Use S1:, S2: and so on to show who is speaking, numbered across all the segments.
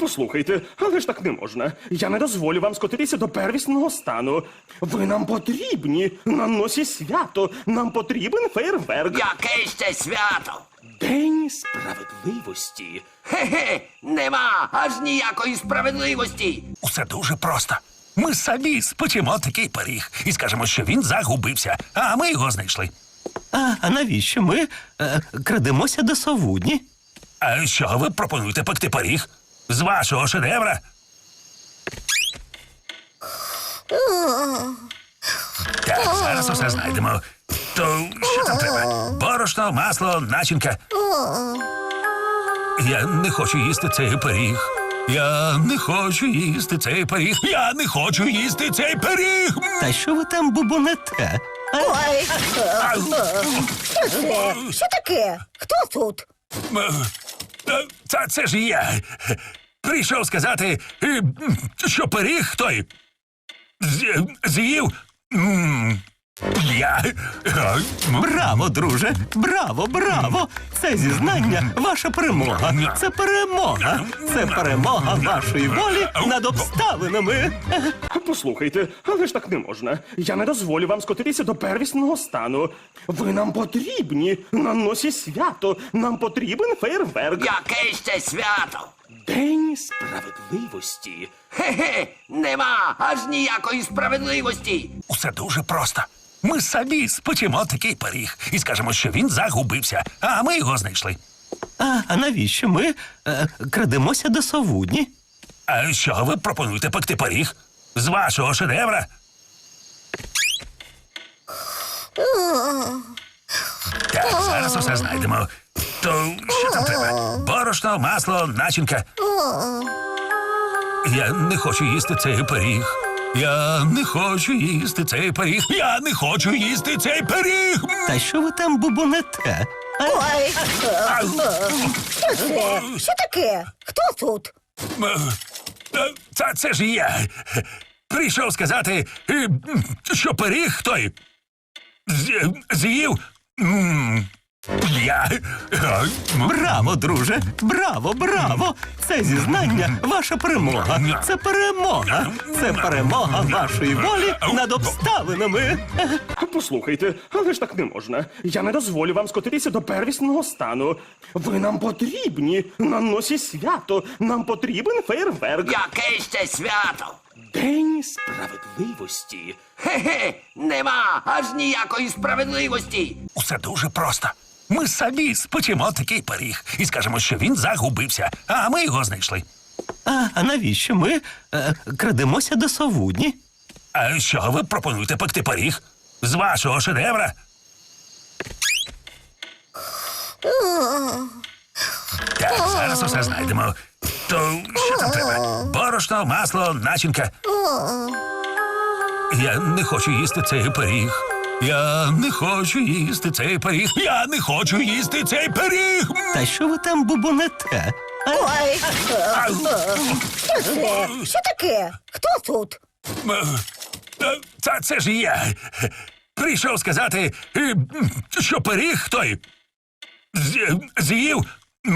S1: Послухайте, але ж так не можна. Я не дозволю вам скотитися до первісного стану. Ви нам потрібні. На носі свято. Нам потрібен фейерверк.
S2: Яке ще свято?
S1: День справедливості.
S2: Хе-хе, нема аж ніякої справедливості.
S3: Усе дуже просто. Ми самі спечемо такий пиріг і скажемо, що він загубився, а ми його знайшли.
S4: А навіщо ми крадемося до совудні?
S3: А що ви пропонуєте пекти пиріг? З вашого шедевра? Так, зараз усе знайдемо. То що там треба? Борошно, масло, начинка. Я не хочу їсти цей пиріг. Я не хочу їсти цей пиріг. Я не хочу їсти цей пиріг.
S4: Та що ви там бубонете?
S5: Ой, що це? Що таке? Хто тут?
S3: Це ж я. Прийшов сказати, що пиріг той з'їв. Я.
S4: Браво, друже! Браво, браво! Це зізнання ваша перемога. Це перемога. Це перемога вашої волі над обставинами.
S1: Послухайте, але ж так не можна. Я не дозволю вам скотитися до первісного стану. Ви нам потрібні. На носі свято. Нам потрібен фейерверк.
S2: Яке ще свято?
S1: День справедливості.
S2: Хе-хе, нема аж ніякої справедливості.
S3: Усе дуже просто. Ми самі спечемо такий пиріг і скажемо, що він загубився, а ми його знайшли.
S4: А навіщо ми крадемося до совудні?
S3: А що ви пропонуєте пекти пиріг? З вашого шедевра? Так, зараз усе знайдемо. То що там треба? Борошно, масло, начинка. Я не хочу їсти цей пиріг. Я не хочу їсти цей пиріг. Я не хочу їсти цей пиріг.
S4: Та що ви там бубонете?
S5: Ой, що це? Що таке? Хто тут?
S3: Це ж я. Прийшов сказати, що пиріг той з'їв. Я.
S4: Браво, друже! Браво, браво! Це зізнання ваша перемога. Це перемога. Це перемога вашої волі над обставинами.
S1: Послухайте, але ж так не можна. Я не дозволю вам скотитися до первісного стану. Ви нам потрібні. На носі свято. Нам потрібен фейерверк.
S2: Яке ще свято?
S1: День справедливості.
S2: Хе-хе, нема аж ніякої справедливості.
S3: Усе дуже просто. Ми самі спечемо такий пиріг і скажемо, що він загубився, а ми його знайшли.
S4: А навіщо ми крадемося до совудні?
S3: А що ви пропонуєте пекти пиріг? З вашого шедевра? Так, зараз усе знайдемо. То що там треба? Борошно, масло, начинка. Я не хочу їсти цей пиріг. Я не хочу їсти цей пиріг. Я не хочу їсти цей пиріг.
S4: Та що ви там бубонете?
S5: Ой, що це? Що таке? Хто тут?
S3: Це ж я. Прийшов сказати, що пиріг той з'їв.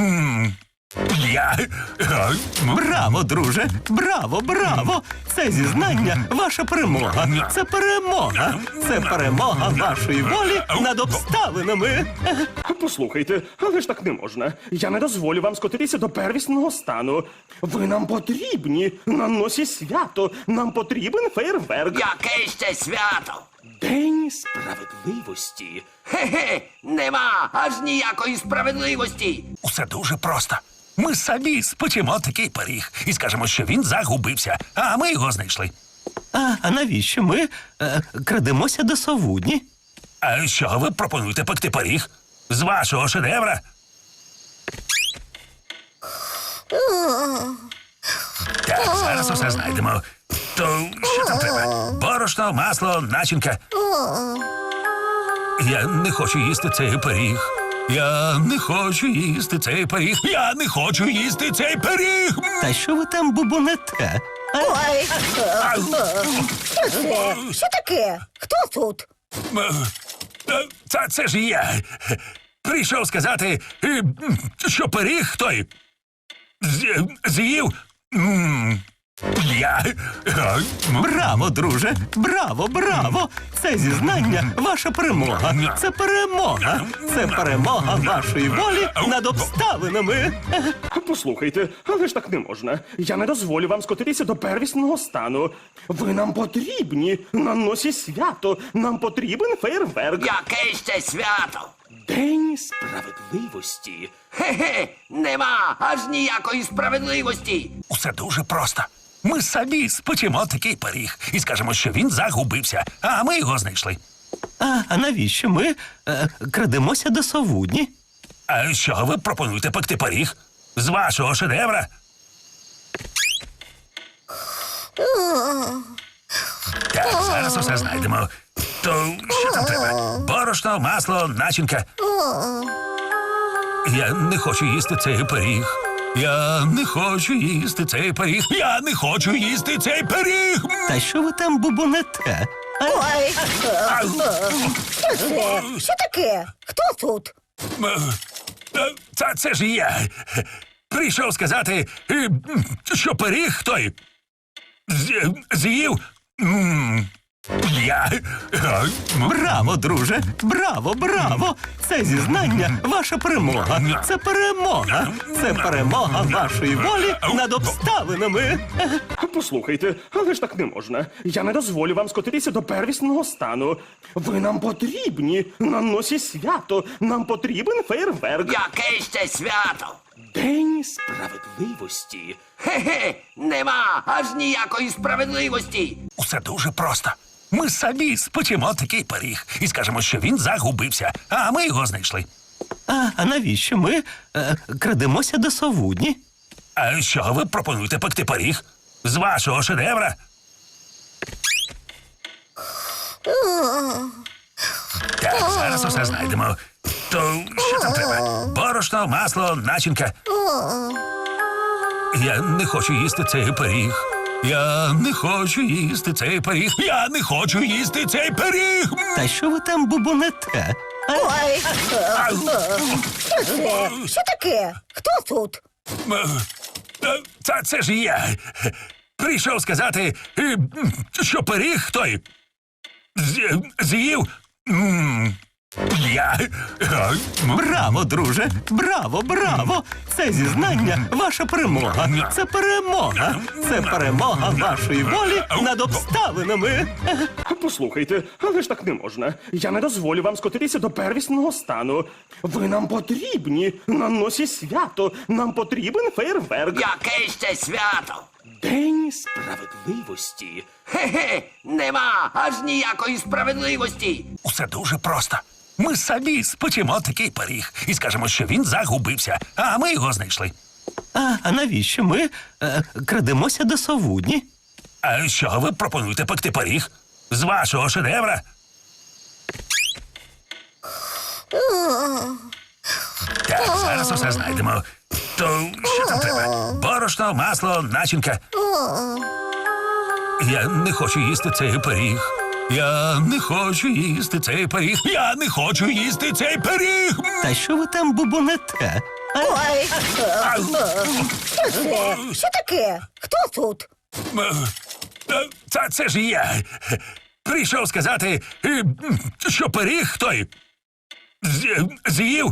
S3: Я.
S4: Браво, друже! Браво, браво! Це зізнання ваша перемога. Це перемога. Це перемога вашої волі над обставинами.
S1: Послухайте, але ж так не можна. Я не дозволю вам скотитися до первісного стану. Ви нам потрібні. На носі свято. Нам потрібен фейерверк.
S2: Яке ще свято?
S1: День справедливості.
S2: Хе-хе, нема аж ніякої справедливості.
S3: Усе дуже просто. Ми самі спечемо такий пиріг і скажемо, що він загубився, а ми його знайшли.
S4: А навіщо ми крадемося до совудні?
S3: А що ви пропонуєте пекти пиріг? З вашого шедевра? Так, зараз усе знайдемо. То що там треба? Борошно, масло, начинка. Я не хочу їсти цей пиріг. Я не хочу їсти цей пиріг. Я не хочу їсти цей пиріг.
S4: Та що ви там бубонете?
S5: Ой, що це? Що таке? Хто тут?
S3: Це ж я. Прийшов сказати, що пиріг той з'їв. Я...
S4: Браво, друже! Браво, браво! Це зізнання ваша перемога. Це перемога. Це перемога вашої волі над обставинами.
S1: Послухайте, але ж так не можна. Я не дозволю вам скотитися до первісного стану. Ви нам потрібні на носі свято. Нам потрібен фейерверк.
S2: Яке ще свято?
S1: День справедливості.
S2: Хе-хе, нема аж ніякої справедливості.
S3: Усе дуже просто. Ми самі спечемо такий пиріг і скажемо, що він загубився, а ми його знайшли.
S4: А навіщо ми крадемося до совудні?
S3: А що ви пропонуєте пекти пиріг? З вашого шедевра? Так, зараз усе знайдемо. То що там треба? Борошно, масло, начинка. Я не хочу їсти цей пиріг. Я не хочу їсти цей пиріг. Я не хочу їсти цей пиріг.
S4: Та що ви там бубонете?
S5: Ой, що це? Що таке? Хто тут?
S3: Це ж я. Прийшов сказати, що пиріг той з'їв. Я...
S4: Браво, друже! Браво, браво! Це зізнання ваша перемога. Це перемога. Це перемога вашої волі над обставинами.
S1: Послухайте, але ж так не можна. Я не дозволю вам скотитися до первісного стану. Ви нам потрібні на носі свято. Нам потрібен фейерверк.
S2: Яке ще свято?
S1: День справедливості.
S2: Хе-хе, нема аж ніякої справедливості.
S3: Усе дуже просто. Ми самі спечемо такий пиріг і скажемо, що він загубився, а ми його знайшли.
S4: А навіщо ми крадемося до совудні?
S3: А що ви пропонуєте пекти пиріг? З вашого шедевра? Так, зараз усе знайдемо. То що там треба? Борошно, масло, начинка. Я не хочу їсти цей пиріг. Я не хочу їсти цей пиріг. Я не хочу їсти цей пиріг.
S4: Та що ви там бубонете?
S5: Ой, що це? Що таке? Хто тут?
S3: Це ж я. Прийшов сказати, що пиріг той з'їв. Я...
S4: Браво, друже! Браво, браво! Це зізнання ваша перемога. Це перемога. Це перемога вашої волі над обставинами.
S1: Послухайте, але ж так не можна. Я не дозволю вам скотитися до первісного стану. Ви нам потрібні на носі свято. Нам потрібен фейерверк.
S2: Яке ще свято?
S1: День справедливості.
S2: Хе-хе, нема аж ніякої справедливості.
S3: Усе дуже просто. Ми самі спечемо такий пиріг і скажемо, що він загубився, а ми його знайшли.
S4: А навіщо ми крадемося до совудні?
S3: А що ви пропонуєте пекти пиріг? З вашого шедевра? Так, зараз усе знайдемо. То що там треба? Борошно, масло, начинка. Я не хочу їсти цей пиріг. Я не хочу їсти цей пиріг. Я не хочу їсти цей пиріг.
S4: Та що ви там бубонете?
S5: Ой, що це? Що таке? Хто тут?
S3: Це ж я. Прийшов сказати, що пиріг той з'їв.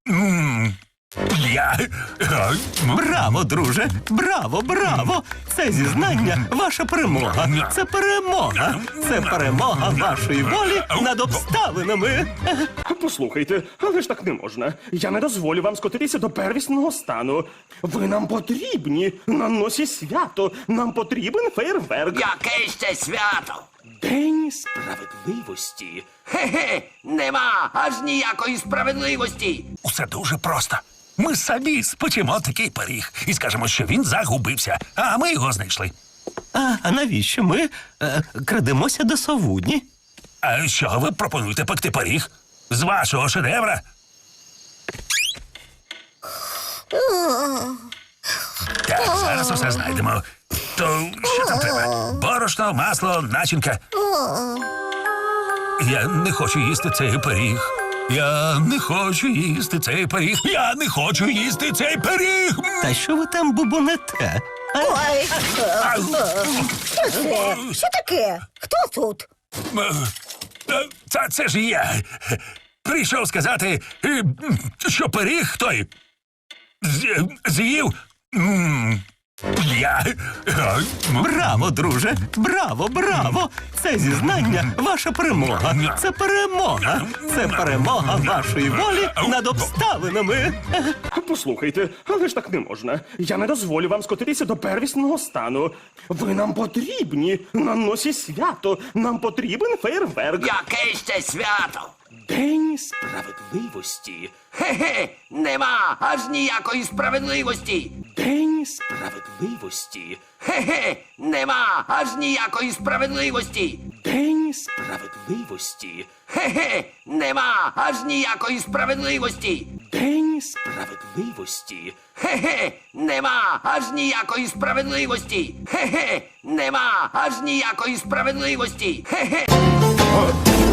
S3: Я...
S4: Браво, друже! Браво, браво! Це зізнання ваша перемога. Це перемога. Це перемога вашої волі над обставинами.
S1: Послухайте, але ж так не можна. Я не дозволю вам скотитися до первісного стану. Ви нам потрібні на носі свято. Нам потрібен фейерверк.
S2: Яке ще свято?
S1: День справедливості.
S2: Хе-хе, нема аж ніякої справедливості.
S3: Усе дуже просто. Ми самі спечемо такий пиріг і скажемо, що він загубився, а ми його знайшли.
S4: А навіщо ми крадемося до совудні?
S3: А що ви пропонуєте пекти пиріг? З вашого шедевра? Так, зараз усе знайдемо. То що там треба? Борошно, масло, начинка. Я не хочу їсти цей пиріг. Я не хочу їсти цей пиріг. Я не хочу їсти цей пиріг.
S4: Та що ви там бубонете?
S5: Ой, що це? Що таке? Хто тут?
S3: Це ж я. Прийшов сказати, що пиріг той з'їв. Я.
S4: Браво, друже! Браво, браво! Це зізнання ваша перемога. Це перемога. Це перемога вашої волі над обставинами.
S1: Послухайте, але ж так не можна. Я не дозволю вам скотитися до первісного стану. Ви нам потрібні на носі свято. Нам потрібен фейерверк.
S2: Яке ще свято?
S1: День справедливості.
S2: Хе-хе, нема аж ніякої справедливості.
S1: День справедливості.
S2: Хе-хе, нема аж ніякої справедливості.
S1: День справедливості.
S2: Хе-хе, нема аж ніякої справедливості.
S1: День справедливості.
S2: Хе-хе, нема аж ніякої справедливості. Хе-хе, нема аж ніякої справедливості. Хе-хе.